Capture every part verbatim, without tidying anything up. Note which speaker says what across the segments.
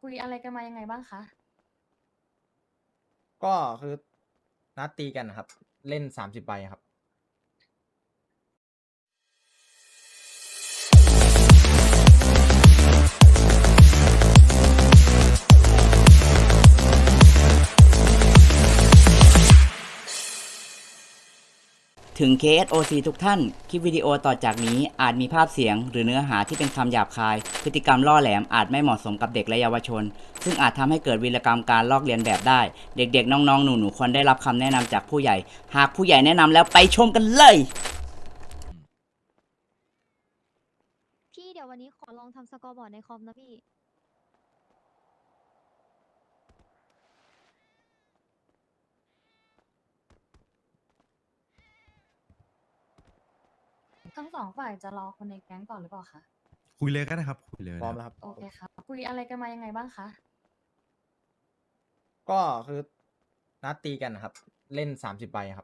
Speaker 1: คุยอะไรกันมายังไงบ้างคะ
Speaker 2: ก็คือนัดตีกันนะครับ เล่นสามสิบใบครับ
Speaker 3: ถึง เค เอส โอ ซี ทุกท่าน คลิปวิดีโอต่อจากนี้อาจมีภาพเสียงหรือเนื้อหาที่เป็นคำหยาบคาย พฤติกรรมล่อแหลมอาจไม่เหมาะสมกับเด็กและเยาวชน ซึ่งอาจทำให้เกิดวีรกรรมการลอกเลียนแบบได้ เด็กๆ น้องๆ หนูๆ ควรได้รับคำแนะนำจากผู้ใหญ่ หากผู้ใหญ่แนะนำแล้วไปชมกันเลย
Speaker 4: พี่เดี๋ยววันนี้ขอลองทำสกอร์บอร์ดในคอมนะพี่
Speaker 1: ทั้งสองฝ่ายจะรอคนในแก๊งก่อนหรือเปล่าคะ
Speaker 5: คุยเลยก็ได้ครับคุยเลย
Speaker 2: พร้อม
Speaker 5: นะ
Speaker 2: แล้วครับ
Speaker 1: โอเคครับ คุยอะไรกันมายังไงบ้างคะ
Speaker 2: ก็คือนัดตีกันนะครับ เล่นสามสิบใบครับ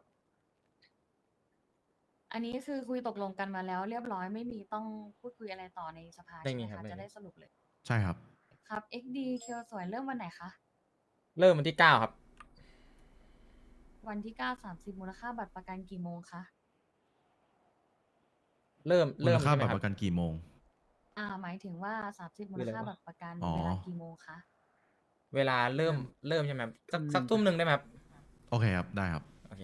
Speaker 1: อันนี้คือคุยตกลงกันมาแล้วเรียบร้อยไม่มีต้องพูดคุยอะไรต่อในสภา
Speaker 2: ไม่
Speaker 1: ใช่ไห
Speaker 2: มี
Speaker 1: ม
Speaker 2: ครับ
Speaker 1: คะ
Speaker 2: ไม่
Speaker 1: จะ
Speaker 2: มี
Speaker 1: ได้สรุปเลย
Speaker 5: ใช่ครับ
Speaker 1: ครับ เอ็กซ์ ดี เคียวสวยเริ่มวันไหนคะ
Speaker 2: เริ่มวันที่เก้าครับ
Speaker 1: วันที่เก้าสามสิบมูลค่าบัตรประกันกี่โมงคะ
Speaker 2: เริ่ม
Speaker 5: มู
Speaker 2: เริ่
Speaker 5: ล
Speaker 2: ม
Speaker 5: ค่า
Speaker 2: ใช่ไหม
Speaker 5: บัต
Speaker 2: ค
Speaker 5: ร
Speaker 2: รับ
Speaker 5: ประกันกี่โมง
Speaker 1: อ่า หมายถึงว่าสามสิบมูลค่า
Speaker 2: คืออะไรวะ
Speaker 1: บัตรประกัน
Speaker 5: อ๋อ
Speaker 1: เวลากี่โมงคะ
Speaker 2: เวลาเริ่มเริ่มใช่ไหมครับสักสักทุ่มหนึ่งได้ไหมครับ
Speaker 5: โอเคครับ ได้ครับ
Speaker 2: โอเค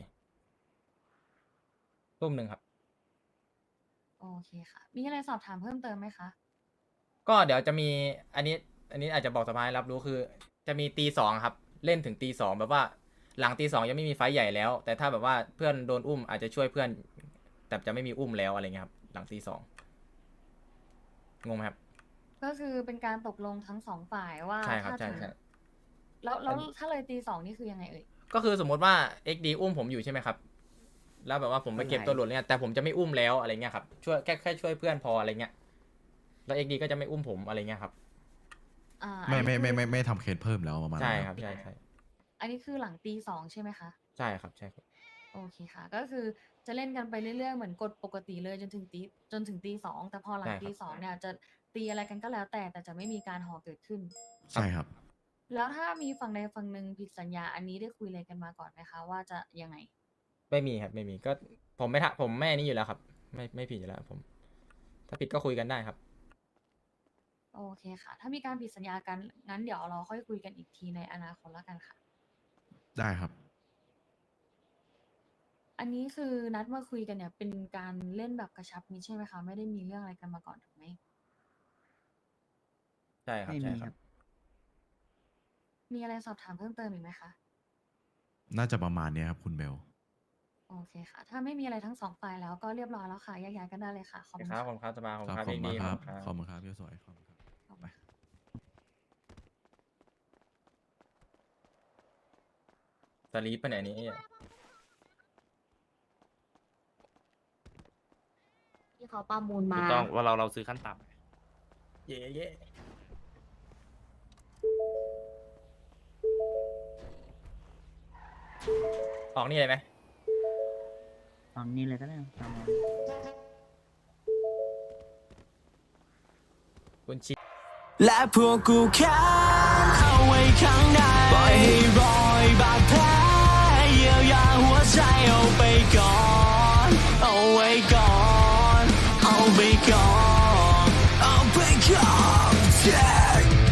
Speaker 2: ทุ่มหนึ่งครับ
Speaker 1: โอเคค่ะ มีอะไรสอบถามเพิ่มเติมไหมคะ
Speaker 2: ก็เดี๋ยวจะมีอันนี้ อันนี้อาจจะบอกสภาให้รับรู้คือ จะมีตีสองครับ เล่นถึงตีสองแบบว่า หลังตีสองยังไม่มีไฟท์ใหญ่แล้ว แต่ถ้าแบบว่าเพื่อนโดนอุ้มอาจจะช่วยเพื่อน แต่จะไม่มีอุ้มแล้วอะไรเงี้ยครับ หลังตีสองงงไหมครับ
Speaker 1: ก็คือเป็นการตกลงทั้งสองฝ่ายว่า
Speaker 2: ใช่ครับ
Speaker 1: ถ้า
Speaker 2: ใช่
Speaker 1: ถึง
Speaker 2: ใช่
Speaker 1: แล้วแล้ว
Speaker 2: อันนี้
Speaker 1: ถ้าเลยตีสองนี่คือยังไงเอ่ย
Speaker 2: ก็คือสมมติว่า เอ็กซ์ ดี อุ้มผมอยู่ใช่ไหมครับ แล้วแบบว่าผมไปเก็บตัวหลุดเนี่ยแต่ผมจะไม่อุ้มแล้วอะไรเงี้ยครับช่วยแค่แค่ช่วยเพื่อนพออะไรเงี้ยแล้ว เอ็กซ์ ดี ก็จะไม่อุ้มผมอะไรเงี้ยครับ
Speaker 1: อ่า
Speaker 5: ไม่
Speaker 1: อัน
Speaker 5: ไม่
Speaker 1: นี้
Speaker 5: ไม่
Speaker 1: คือ
Speaker 5: ไม่ไม่ทำเคสเพิ่มแล้วประมาณ
Speaker 2: ใช่
Speaker 5: นั้น
Speaker 2: ครับใช่ใช่
Speaker 1: อันนี้คือหลังตีสองใช่ไหมคะ
Speaker 2: ใช่ครับใช่ครับ
Speaker 1: โอเคค่ะ ก็คือจะเล่นกันไปเรื่อยๆ เหมือนกดปกติเลยจนถึงตีจนถึงตีสองแต่พอหลัง
Speaker 2: ใช่ครับ
Speaker 1: ตีสองเนี่ยจะตีอะไรกันก็แล้วแต่แต่จะไม่มีการหอเกิดขึ้น
Speaker 5: ใช่ครับ
Speaker 1: แล้วถ้ามีฝั่งใดฝั่งหนึ่งผิดสัญญาอันนี้ได้คุยอะไรกันมาก่อนไหมคะ ว่าจะยังไง
Speaker 2: ไม่มีครับไม่มีก็ผมไม่ทะผมไม่นี่อยู่แล้วครับ ไม่ไม่ผิดอยู่แล้วผม ถ้าผิดก็คุยกันได้ครับ
Speaker 1: โอเคค่ะ ถ้ามีการผิดสัญญากันงั้นเดี๋ยวเราค่อยคุยกันอีกทีในอนาคตแล้วกันค่ะ
Speaker 5: ได้ครับ
Speaker 1: อันนี้คือนัดมาคุยกันเนี่ยเป็นการเล่นแบบกระชับมิตรใช่ไหมคะ ไม่ได้มีเรื่องอะไรกันมาก่อนถูกไหม
Speaker 2: ใช่ครับใช่ครับ
Speaker 1: มีอะไรสอบถามเพิ่มเติมอีกไหมคะ
Speaker 5: น่าจะประมาณเนี้ยครับคุณเบล
Speaker 1: โอเคค่ะ ถ้าไม่มีอะไรทั้งสองฝ่ายแล้วก็เรียบร้อยแล้วค่ะแยกย้ายกันได้เลยค่ะ ขอบคุณ
Speaker 2: ครั
Speaker 1: ค่ะ
Speaker 2: บผมครับสบายผม
Speaker 5: ครับ
Speaker 2: ครับ
Speaker 5: ขอบ
Speaker 2: เอ็ก
Speaker 5: คุ
Speaker 2: ซ์
Speaker 5: ณ
Speaker 2: ดี
Speaker 5: มากครับ
Speaker 2: ข
Speaker 5: ข
Speaker 2: อ
Speaker 5: อ
Speaker 2: บบ คุ
Speaker 5: คุณ ณ
Speaker 2: ครับ
Speaker 5: ครับพี่สวยขอบคุณครับ
Speaker 1: ขอบคุณ
Speaker 5: ไป
Speaker 1: ค่ะ
Speaker 2: สลีปไปไหนนี้ไอ้เหี้ย
Speaker 4: ที่เขาประมูล
Speaker 6: ถู
Speaker 4: มา
Speaker 6: กต้องว่าเราเราซื้อขั้นต่ำ
Speaker 2: เย่เย่ออกนี่เลยไหม
Speaker 3: ตอนนี้เลยก็ได้ตามนั้น
Speaker 2: คุณชิ
Speaker 7: และพวกกูแค้นเอาไว้ข้างในปล่อยให้รอยบาดแผลเยียวยาหัวใจเอาไปก่อนเอาไว้ก่อนเอาไปก่อนเอาไปก่อน yeah